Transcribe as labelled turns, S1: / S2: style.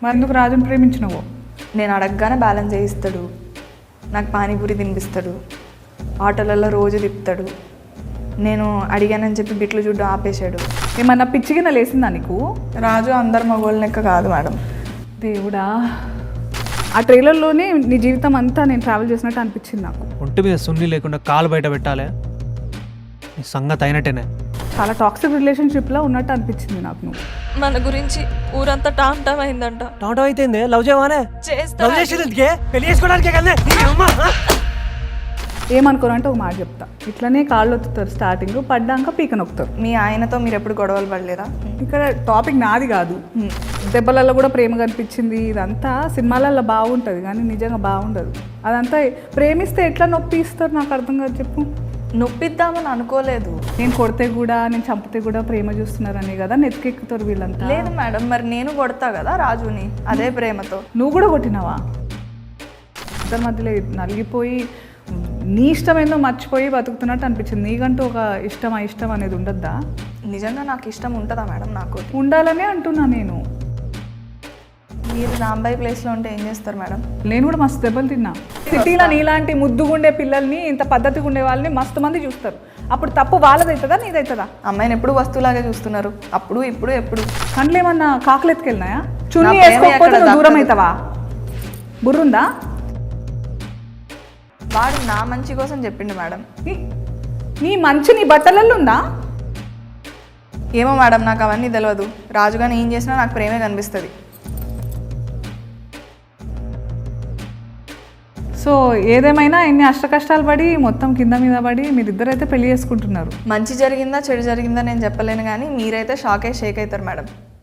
S1: మరి ఎందుకు రాజుని ప్రేమించినవో?
S2: నేను అడగగానే బ్యాలెన్స్ చేయిస్తాడు, నాకు పానీపూరి తినిపిస్తాడు, ఆటోలలో రోజు తిప్పుతాడు. నేను అడిగానని చెప్పి బిట్లు చూడ్డం ఆపేశాడు.
S1: ఏమన్నా పిచ్చిగిన లేసిందా నీకు?
S2: రాజు అందరు మగోళ్ళ లెక్క కాదు మేడం.
S1: దేవుడా, ఆ ట్రైలర్లోనే నీ జీవితం అంతా నేను ట్రావెల్ చేసినట్టు అనిపించింది నాకు.
S3: ఒంటి మీద సున్ని లేకుండా కాలు బయట పెట్టాలి, నీ సంగతి అయినట్టేనే.
S1: చాలా టాక్సిక్ రిలేషన్షిప్లో ఉన్నట్టు అనిపించింది నాకు. నువ్వు
S4: మన గురించి ఊరంతా టామ్ అయిందంట.
S3: టాటో అయితే లవ్ చేయవానే? లవ్ చేసేందుకే, పెళ్లి చేసుకోవడానికే కదా.
S1: ఏమనుకోరంటే ఒక మాట చెప్తా, ఇట్లనే కాళ్ళు ఒత్తుతారు, స్టార్టింగ్ పడ్డాక పీక నొక్కుతారు.
S2: మీ ఆయనతో మీరు ఎప్పుడు గొడవలు పడలేదా?
S1: ఇక్కడ టాపిక్ నాది కాదు. దెబ్బలలో కూడా ప్రేమ కనిపించింది. ఇదంతా సినిమాలలో బాగుంటుంది కానీ నిజంగా బాగుండదు. అదంతా ప్రేమిస్తే ఎట్లా నొప్పి ఇస్తారు నాకు అర్థం కాదు. చెప్పు.
S2: నొప్పిద్దామని అనుకోలేదు.
S1: నేను కొడితే కూడా నేను చంపితే కూడా ప్రేమ చూస్తున్నారని కదా నెత్తికెక్కుతారు వీళ్ళంతా.
S2: లేదు మేడం, మరి నేను కొడతా కదా రాజుని అదే ప్రేమతో.
S1: నువ్వు కూడా కొట్టినావా? ఇద్దరి మధ్యలో నలిగిపోయి నీ ఇష్టమేందో మర్చిపోయి బతుకుతున్నట్టు అనిపించింది. నీకంటూ ఒక ఇష్టం ఇష్టం అనేది ఉండద్దా?
S2: నిజంగా నాకు ఇష్టం ఉంటుందా మేడం? నాకు
S1: ఉండాలనే అంటున్నా నేను.
S2: మీరు రాంబాయి ప్లేస్లో ఉంటే ఏం చేస్తారు మేడం?
S1: నేను కూడా మస్తు దెబ్బలు తిన్నా. సిటీలో నీలాంటి ముద్దుగుండే పిల్లల్ని, ఇంత పద్ధతిగా ఉండే వాళ్ళని మస్తు మంది చూస్తారు. అప్పుడు తప్పు వాళ్ళదవుతుందా నీదవుతుందా?
S2: అమ్మాయిని ఎప్పుడు వస్తువులాగే చూస్తున్నారు, అప్పుడు ఇప్పుడు ఎప్పుడు.
S1: కండ్లు ఏమన్నా కాకులు ఎత్తుకెళ్ళినాయా? చున్నీ వేసుకోకపోతే నువ్వు దూరం అవుతావా? బుర్రుందా?
S2: వాడు నా మంచి కోసం చెప్పిండు మేడం.
S1: నీ మంచి నీ బట్టలలో ఉందా?
S2: ఏమో మేడం, నాకు అవన్నీ తెలియదు. రాజుగాని ఏం చేసినా నాకు ప్రేమే కనిపిస్తుంది.
S1: సో ఏదేమైనా ఎన్ని అష్ట కష్టాలు పడి మొత్తం కింద మీద పడి మీరిద్దరైతే పెళ్లి చేసుకుంటున్నారు.
S2: మంచి జరిగిందా చెడు జరిగిందా నేను చెప్పలేను, కానీ మీరైతే షేక్ అవుతారు మేడం.